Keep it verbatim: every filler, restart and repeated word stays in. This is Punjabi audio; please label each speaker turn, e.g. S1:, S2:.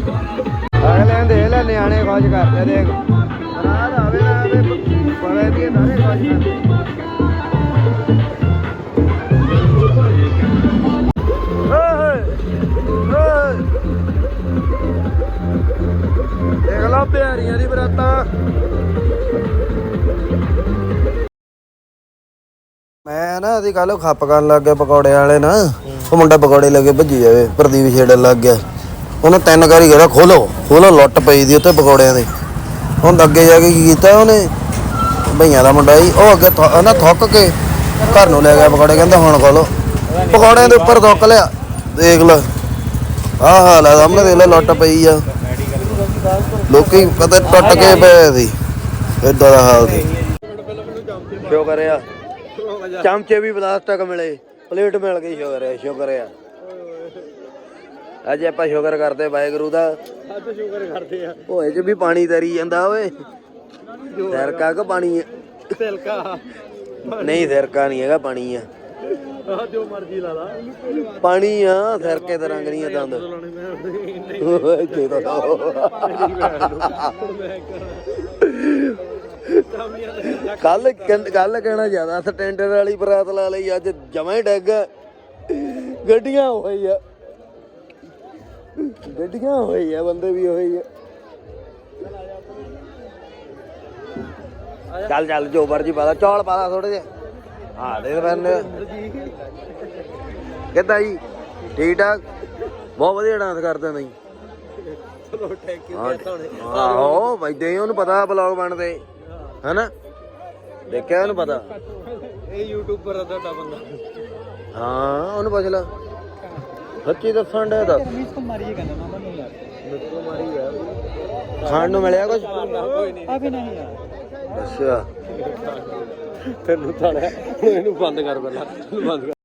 S1: ਅਗਲੇ ਦੇ ਲੈ ਨਿਆਣੇ ਖੋਜ ਕਰਦੇ ਦੇਖ ਰਾਤ ਆਵੇ ਨਾ ਆਵੇ ਪਵੇ ਦੀ ਸਾਰੇ ਖੋਜ ਕਰਦੇ ਦੇਖ ਲਓ ਬਿਹਾਰੀਆਂ ਦੀ ਬਰਾਤਾਂ। ਮੈਂ ਨਾ ਅਸੀਂ ਕੱਲ ਖੱਪ ਕਰਨ ਲੱਗ ਗਿਆ ਪਕੌੜੇ ਵਾਲੇ ਨਾ, ਉਹ ਮੁੰਡਾ ਪਕੌੜੇ ਲੱਗੇ ਭੱਜੀ ਜਾਵੇ, ਪ੍ਰਦੀਪ ਛੇੜਨ ਲੱਗ ਗਿਆ। ਉਹਨੇ ਤਿੰਨ ਵਾਰੀ ਕਹਿੰਦਾ ਖੋਲੋ ਖੋਲੋ, ਲੁੱਟ ਪਈ ਦੀ ਉੱਥੇ ਪਕੌੜਿਆਂ ਦੀ। ਹੁਣ ਅੱਗੇ ਜਾ ਕੇ ਕੀ ਕੀਤਾ ਉਹਨੇ, ਭਈਆਂ ਦਾ ਮੁੰਡਾ ਸੀ, ਉਹ ਅੱਗੇ ਨਾ ਥੁੱਕ ਕੇ ਘਰ ਨੂੰ ਲੈ ਗਿਆ ਪਕੌੜੇ, ਕਹਿੰਦਾ ਹੁਣ ਖੋਲੋ। ਪਕੌੜਿਆਂ ਦੇ ਉੱਪਰ ਥੁੱਕ ਲਿਆ, ਦੇਖ ਲ ਆਹ ਹਾਲ ਆ ਸਾਹਮਣੇ, ਦੇਖ ਲੈ ਲੁੱਟ ਪਈ ਆ, ਲੋਕੀ ਪਤਾ ਟੁੱਟ ਕੇ ਪਏ ਸੀ, ਏਦਾਂ ਦਾ ਹਾਲ ਸੀ। ਸ਼ੁਕਰ ਆ ਚਮਚੇ ਵੀ ਪਲਾਸਟਿਕ ਮਿਲੇ, ਪਲੇਟ ਮਿਲ ਗਈ, ਸ਼ੁਕਰ ਆ ਸ਼ੁਕਰ ਆ। ਅੱਜ ਆਪਾਂ ਸ਼ੁਕਰ ਕਰਦੇ ਵਾਹਿਗੁਰੂ ਦਾ, ਅੱਜ ਸ਼ੁਕਰ ਕਰਦੇ ਆ। ਹੋਏ ਚ ਵੀ ਪਾਣੀ ਤਰੀ ਜਾਂਦਾ ਓਏ, ਸਿਰਕਾ ਕਿ ਪਾਣੀ ਆ? ਸਿਰਕਾ ਨਹੀਂ, ਸਿਰਕਾ ਨਹੀਂ ਹੈਗਾ, ਪਾਣੀ ਆ, ਜੋ ਮਰਜ਼ੀ ਲਾ ਲਾ, ਪਾਣੀ ਆ, ਸਿਰਕੇ ਦਾ ਰੰਗ ਨਹੀਂ ਆ ਦੰਦ। ਕੱਲ ਕੱਲ ਕਹਿਣਾ ਜ਼ਿਆਦਾ ਸਟੈਂਡਰਡ ਵਾਲੀ ਬਰਾਤ ਲਾ ਲਈ, ਅੱਜ ਜਮਾਂ ਹੀ ਡਿੱਗ ਗੱਡੀਆਂ ਹੋਈ ਆ, ਗੱਡੀਆਂ ਹੋਈ ਆ, ਬੰਦੇ ਵੀ ਹੋਈ ਆ। ਚੱਲ ਚੱਲ ਜੋ ਮਰਜੀ ਪਾ ਲਾ, ਚੌਲ ਪਾ ਲਾ ਥੋੜੇ ਜਿਹੇ। ਹਾਂ ਦੇ ਬੰਦੇ ਕਿੱਦਾਂ ਜੀ, ਠੀਕ ਠਾਕ, ਬਹੁਤ ਵਧੀਆ ਡਾਂਸ ਕਰਦੇ ਨਹੀਂ। ਆਹੋ ਵੈਦੇ ਉਹਨੂੰ ਪਤਾ ਬਲੌਗ ਬਣਦੇ ਹਨਾ, ਦੇਖਿਆ ਉਹਨੂੰ ਪਤਾ, ਇਹ ਯੂਟਿਊਬਰ ਆ ਤੁਹਾਡਾ ਬੰਦਾ। ਹਾਂ ਉਹਨੂੰ ਪੁੱਛ ਲਾ, ਸੱਚੀ ਦੱਸਣ ਡਿਆ ਦੱਸ। ਖਾਣ ਨੂੰ ਮਿਲਿਆ ਕੁਛ? ਅੱਛਾ ਤੈਨੂੰ ਤਾਂ ਇਹਨੂੰ ਬੰਦ ਕਰ ਪਹਿਲਾਂ, ਬੰਦ ਕਰ।